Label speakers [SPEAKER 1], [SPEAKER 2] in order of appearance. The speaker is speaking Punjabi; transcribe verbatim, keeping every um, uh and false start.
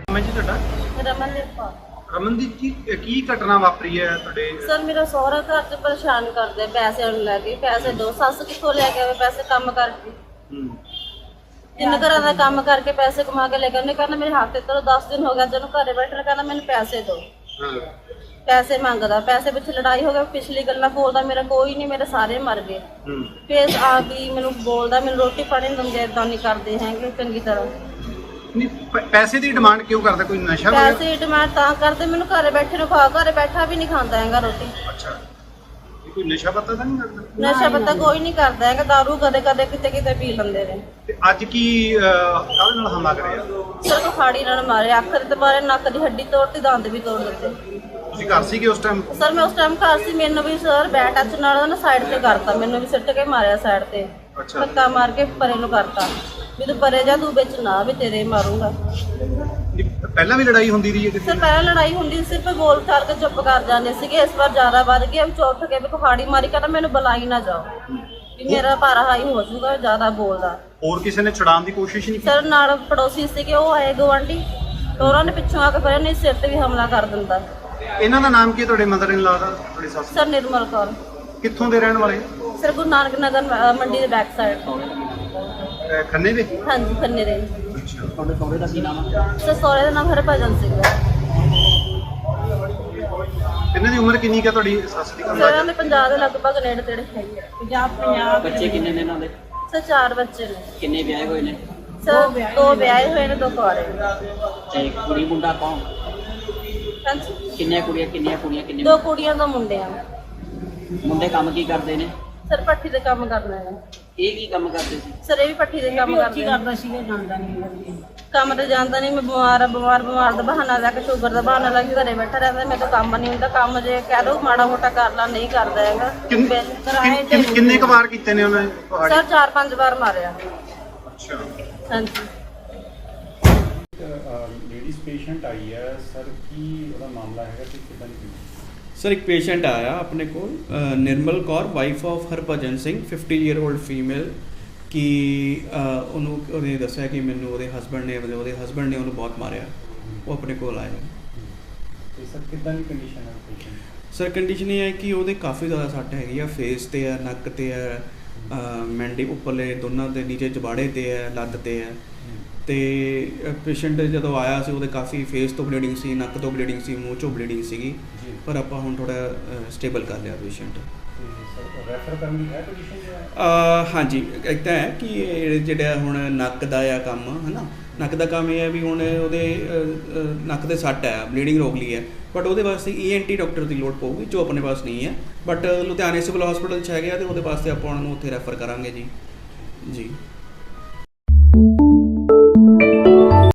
[SPEAKER 1] ਮੈਂ ਜੀ ਤੁਹਾਡਾ
[SPEAKER 2] ਰਮਨਦੀਪ ਕੌਰ।
[SPEAKER 1] ਰਮਨਦੀਪ ਜੀ ਕੀ ਘਟਨਾ ਵਾਪਰੀ ਹੈ ਤੁਹਾਡੇ?
[SPEAKER 2] ਸਰ ਮੇਰਾ ਸਹੁਰਾ ਘਰ 'ਚ ਪਰੇਸ਼ਾਨ ਕਰਦੇ ਪੈਸੇ ਨੂੰ ਲੈ ਕੇ। ਪੈਸੇ ਦੋ ਸੱਸ ਕਿੱਥੋਂ ਲੈ ਕੇ ਆਵੇ ਪੈਸੇ ਕੰਮ ਕਰਕੇ?
[SPEAKER 1] ਹੂੰ
[SPEAKER 2] ਤਿੰਨ ਘਰਾਂ ਦਾ ਕੰਮ ਕਰਕੇ ਪੈਸੇ ਕਮਾ ਕੇ ਲੈ ਕੇ ਉਹਨੇ ਕਹਿੰਦਾ ਮੇਰੇ ਹੱਥ ਤੇ ਚਲੋ ਦਸ ਦਿਨ ਹੋ ਗਿਆ ਜਦੋਂ ਘਰੇ ਬੈਠਣਾ, ਕਹਿੰਦਾ ਮੈਨੂੰ ਪੈਸੇ ਦਿਓ।
[SPEAKER 1] ਹਾਂ
[SPEAKER 2] ਪੈਸੇ ਮੰਗਦਾ, ਪੈਸੇ ਪਿੱਛੇ ਲੜਾਈ ਹੋ ਗਈ। ਪਿਛਲੀ ਗੱਲਾਂ ਬੋਲਦਾ ਮੇਰਾ ਕੋਈ ਨਹੀਂ, ਮੇਰੇ ਸਾਰੇ ਮਰ ਗਏ।
[SPEAKER 1] ਹੂੰ
[SPEAKER 2] ਫੇਰ ਆ ਵੀ ਮੈਨੂੰ ਬੋਲਦਾ ਮੈਨੂੰ ਰੋਟੀ ਪਾਣੀ ਨਹੀਂ ਦਿੰਦੇ, ਏਦਾਂ ਨਹੀਂ ਕਰਦੇ ਹੈਗੇ ਚੰਗੀ ਤਰ੍ਹਾਂ।
[SPEAKER 1] ਨਹੀਂ ਪ- ਪੈਸੇ ਦੀ ਡਿਮਾਂਡ ਕਿਉਂ ਕਰਦਾ? ਕੋਈ ਨਸ਼ਾ ਵਗੈਰਾ?
[SPEAKER 2] ਪੈਸੇ ਡਿਮਾਂਡ ਤਾਂ ਕਰਦੇ ਮੈਨੂੰ ਘਰੇ ਬੈਠੇ ਨੂੰ ਖਾ, ਘਰੇ ਬੈਠਾ ਵੀ ਨਹੀਂ ਖਾਂਦਾ ਹੈਗਾ ਰੋਟੀ।
[SPEAKER 1] ਅੱਛਾ, ਇਹ ਕੋਈ ਨਸ਼ਾ ਪੱਤਾ ਤਾਂ ਨਹੀਂ ਕਰਦਾ?
[SPEAKER 2] ਨਸ਼ਾ ਪੱਤਾ ਕੋਈ ਨਹੀਂ ਕਰਦਾ ਹੈਗਾ, ਦਾਰੂ ਕਦੇ ਕਦੇ ਕਿਤੇ ਕਿਤੇ ਪੀ ਲੈਂਦੇ ਨੇ।
[SPEAKER 1] ਤੇ ਅੱਜ ਕੀ ਅਹ, ਕਾਹਦੇ ਨਾਲ ਹਮਲਾ ਕਰਿਆ?
[SPEAKER 2] ਸਿਰ ਤੋਂ ਖਾੜੀ ਨਾਲ ਮਾਰੇ, ਅੱਖ ਦੇ ਮਾਰੇ, ਨੱਕ ਦੀ ਹੱਡੀ ਤੋੜਤੀ, ਦੰਦ ਵੀ ਤੋੜ ਦਿੱਤੇ।
[SPEAKER 1] ਤੁਸੀਂ ਘਰ ਸੀਗੇ ਉਸ ਟਾਈਮ?
[SPEAKER 2] ਸਰ ਮੈਂ ਉਸ ਟਾਈਮ ਘਰ ਸੀ, ਮੈਨੂੰ ਵੀ ਸਰ ਬੈਟ ਟੱਚ ਨਾਲ ਨਾ ਸਾਈਡ ਤੇ ਕਰਤਾ, ਮੈਨੂੰ ਵੀ ਸਿੱਟ ਕੇ ਮਾਰਿਆ ਸਾਈਡ ਤੇ,
[SPEAKER 1] ਅੱਛਾ।
[SPEAKER 2] ਧੱਕਾ ਮਾਰ ਕੇ ਪਰੇ ਨੂੰ ਕਰਤਾ ਵੀ ਤੂੰ ਪਰੇ ਜਾ, ਤੂੰ ਵਿੱਚ ਨਾ, ਵੀ ਤੇਰੇ ਮਾਰੂੰਗਾ।
[SPEAKER 1] ਨਹੀਂ, ਪਹਿਲਾਂ ਵੀ ਲੜਾਈ ਹੁੰਦੀ ਰਹੀ ਹੈ ਕਿਸੇ
[SPEAKER 2] ਸਰ
[SPEAKER 1] ਨਾਲ?
[SPEAKER 2] ਪਹਿਲਾਂ ਲੜਾਈ ਹੁੰਦੀ ਸੀ, ਸਿਰਫ ਬੋਲ ਚਾਲ ਕੇ ਚੁੱਪ ਕਰ ਜਾਂਦੇ ਸੀਗੇ। ਇਸ ਵਾਰ ਜ਼ਿਆਦਾ ਵੱਧ ਗਿਆ, ਵੀ ਚੁੱਪ ਕੇ ਵੀ ਕੁਹਾੜੀ ਮਾਰੀ, ਕਹਿੰਦਾ ਮੈਨੂੰ ਬੁਲਾਈ ਨਾ ਜਾਓ ਵੀ ਮੇਰਾ ਭਾਰਾ ਹਾਈ ਹੋ ਜਾਊਗਾ, ਜ਼ਿਆਦਾ ਬੋਲਦਾ।
[SPEAKER 1] ਹੋਰ ਕਿਸੇ ਨੇ ਛੁਡਾਉਣ ਦੀ ਕੋਸ਼ਿਸ਼ ਨਹੀਂ ਕੀਤੀ?
[SPEAKER 2] ਸਰ ਨਾਲ ਪੜੋਸੀ ਸੀਗੇ, ਉਹ ਆਏ ਗਵਾਂਢੀ, ਉਹਨਾਂ ਨੇ ਪਿੱਛੋਂ ਆ ਕੇ ਫਿਰ ਨਹੀਂ ਸਿਰ ਤੇ ਵੀ ਹਮਲਾ ਕਰ ਦਿੰਦਾ।
[SPEAKER 1] ਇਹਨਾਂ ਦਾ ਨਾਮ ਕੀ ਹੈ ਤੁਹਾਡੇ ਮਦਰ ਇਨ ਲਾ ਦਾ, ਤੁਹਾਡੀ ਸੱਸ?
[SPEAKER 2] ਸਰ ਨਿਰਮਲ ਕੌਰ।
[SPEAKER 1] ਕਿੱਥੋਂ ਦੇ ਰਹਿਣ ਵਾਲੇ?
[SPEAKER 2] ਸਰ ਗੁਰੂ ਨਾਨਕ ਨਗਰ ਅ, ਮੰਡੀ ਦੇ ਬੈਕ ਸਾਈਡ।
[SPEAKER 1] ਅਹ, ਖੰਨੇ ਦੇ?
[SPEAKER 2] ਹਾਂਜੀ ਖੰਨੇ ਦੇ।
[SPEAKER 1] ਅੱਛਾ।
[SPEAKER 3] ਤੁਹਾਡੇ ਸਹੁਰੇ ਦਾ ਕੀ ਨਾਮ ਹੈ?
[SPEAKER 2] ਸਰ ਸਹੁਰੇ ਦਾ ਨਾਮ ਹਰਭਜਨ ਸਿੰਘ ਹੈ।
[SPEAKER 1] ਇਹਨਾਂ ਦੀ ਉਮਰ ਕਿੰਨੀ ਕੁ ਹੈ ਤੁਹਾਡੀ ਸੱਸ ਦੀ?
[SPEAKER 2] ਸਰ ਇਹਨਾਂ ਦੇ ਪੰਜਾਹ ਦੇ ਲਗਭਗ ਨੇੜੇ ਤੇੜੇ ਹੈਗੇ ਆ।
[SPEAKER 3] ਪੰਜਾਬ ਪੰਜਾਬ ਬੱਚੇ ਕਿੰਨੇ ਨੇ ਇਹਨਾਂ ਦੇ?
[SPEAKER 2] ਸਰ ਚਾਰ ਬੱਚੇ ਨੇ।
[SPEAKER 3] ਕਿੰਨੇ ਵਿਆਹੇ ਹੋਏ ਨੇ?
[SPEAKER 2] ਸਰ ਦੋ ਵਿਆਹੇ ਹੋਏ ਨੇ, ਦੋ ਕੁਆਰੇ ਨੇ।
[SPEAKER 3] ਤੇ ਕੁੜੀ ਮੁੰਡਾ ਕੌਣ?
[SPEAKER 2] ਹਾਂਜੀ
[SPEAKER 3] ਕਿੰਨੀਆਂ ਕੁੜੀਆਂ ਕਿੰਨੀਆਂ ਕੁੜੀਆਂ ਕਿੰਨੇ
[SPEAKER 2] ਦੋ ਕੁੜੀਆਂ ਦੋ ਮੁੰਡੇ ਆ।
[SPEAKER 3] ਮੁੰਡੇ ਕੰਮ ਕੀ ਕਰਦੇ ਨੇ?
[SPEAKER 2] ਸਰ ਪੱਠੀ ਦੇ ਕੰਮ ਕਰਨਾ ਹੈ।
[SPEAKER 3] ਇਹ ਕੀ ਕੰਮ ਕਰਦੇ ਸੀ?
[SPEAKER 2] ਸਰ ਇਹ ਵੀ ਪੱਠੀ ਦੇ ਕੰਮ ਕਰਦੇ ਆ।
[SPEAKER 3] ਕਰਦਾ ਸੀਗਾ, ਜਾਣਦਾ ਨਹੀਂ।
[SPEAKER 2] ਕੰਮ ਤੇ ਜਾਂਦਾ ਨਹੀਂ, ਮੈਂ ਬਿਮਾਰ ਆ, ਬਿਮਾਰ ਬਿਮਾਰ ਦਾ ਬਹਾਨਾ ਲੈ ਕੇ, ਸ਼ੂਗਰ ਦਾ ਬਹਾਨਾ ਲੈ ਕੇ ਘਰੇ ਬੈਠਾ ਰਹਿੰਦਾ। ਮੇਰੇ ਤੋਂ ਕੰਮ ਨਹੀਂ ਹੁੰਦਾ, ਕੰਮ ਜੇ ਕਹਿ ਦੋ ਮਾੜਾ ਮੋਟਾ ਕਰ ਲਾ, ਨਹੀਂ ਕਰਦਾ ਹੈਗਾ।
[SPEAKER 1] ਕਿੰਨ- ਕਿੰਨ- ਕਿੰਨ- ਕਿੰਨੇ ਕੁ ਵਾਰ ਕੀਤੇ ਨੇ ਉਹਨੇ ਤੁਹਾਡੇ?
[SPEAKER 2] ਸਰ ਚਾਰ ਪੰਜ ਵਾਰ ਮਾਰਿਆ।
[SPEAKER 1] ਅੱਛਾ।
[SPEAKER 2] ਹਾਂਜੀ
[SPEAKER 4] ਲੇਡੀਜ਼ ਪੇਸ਼ੈਂਟ ਆਈ ਹੈ ਸਰ, ਕੀ ਉਹਦਾ ਮਾਮਲਾ ਹੈਗਾ ਕਿ ਕਿੱਦਾਂ ਦੀ?
[SPEAKER 5] ਸਰ ਇੱਕ ਪੇਸ਼ੈਂਟ ਆਇਆ ਆਪਣੇ ਕੋਲ, ਅ, Nirmal Kaur, wife of Harbhajan Singh, fifty year old female, ਕਿ ਅ, ਉਹਨੂੰ ਉਹਨੇ ਦੱਸਿਆ ਕਿ ਮੈਨੂੰ ਉਹਦੇ ਹਸਬੈਂਡ ਨੇ ਮਤਲਬ ਉਹਦੇ ਹਸਬੈਂਡ ਨੇ ਉਹਨੂੰ ਬਹੁਤ ਮਾਰਿਆ। ਉਹ ਆਪਣੇ ਕੋਲ ਆਇਆ।
[SPEAKER 4] ਤੇ ਸਰ ਕਿੱਦਾਂ ਦੀ ਕੰਡੀਸ਼ਨ ਹੈ ਪੇਸ਼ੈਂਟ?
[SPEAKER 5] ਸਰ ਕੰਡੀਸ਼ਨ ਇਹ ਹੈ ਕਿ ਉਹਦੇ ਕਾਫੀ ਜ਼ਿਆਦਾ ਸੱਟ ਹੈਗੀ ਆ, ਫੇਸ ਤੇ ਹੈ, ਨੱਕ ਤੇ ਹੈ, ਮੈਂਡੀ ਉੱਪਰਲੇ ਦੋਨਾਂ ਦੇ ਨੀਚੇ ਜਬਾੜੇ ਤੇ ਹੈ, ਲੱਤ ਤੇ ਹੈ। ਤੇ ਪੇਸ਼ੈਂਟ ਜਦੋਂ ਆਇਆ ਸੀ ਉਹਦੇ ਕਾਫੀ ਫੇਸ ਤੋਂ ਬਲੀਡਿੰਗ ਸੀ, ਨੱਕ ਤੋਂ ਬਲੀਡਿੰਗ ਸੀ, ਮੂੰਹ ਚੋਂ ਬਲੀਡਿੰਗ ਸੀਗੀ, ਪਰ ਆਪਾਂ ਹੁਣ ਥੋੜਾ ਸਟੇਬਲ ਕਰ ਲਿਆ ਪੇਸ਼ੈਂਟ।
[SPEAKER 4] ਤੇ ਸਰ ਰੈਫਰ ਕਰਨ ਦੀ ਹੈ ਕੰਡੀਸ਼ਨ ਜੋ ਹੈ?
[SPEAKER 5] ਅ, ਹਾਂਜੀ ਇੱਕ ਤਾਂ ਹੈ ਕਿ ਇਹ ਜਿਹੜਾ ਹੁਣ ਨੱਕ ਦਾ ਆ ਕੰਮ ਹੈ ਨਾ, ਨੱਕ ਦਾ ਕੰਮ ਇਹ ਹੈ ਵੀ ਹੁਣ ਉਹਦੇ ਅ, ਅ, ਨੱਕ ਦੇ ਸੱਟ ਹੈ, ਬਲੀਡਿੰਗ ਰੋਕ ਲਈ ਹੈ, ਬਟ ਉਹਦੇ ਵਾਸਤੇ ਈ ਐਨ ਟੀ ਡਾਕਟਰ ਦੀ ਲੋੜ ਪਊਗੀ ਜੋ ਆਪਣੇ ਪਾਸ ਨਹੀਂ ਹੈ। ਬਟ ਲੁਧਿਆਣੇ ਸਿਵਲ ਹਸਪੀਟਲ 'ਚ ਹੈਗੇ ਆ, ਅਤੇ ਉਹਦੇ ਵਾਸਤੇ ਆਪਾਂ ਉਹਨਾਂ ਨੂੰ ਉੱਥੇ ਰੈਫਰ ਕਰਾਂਗੇ ਜੀ ਜੀ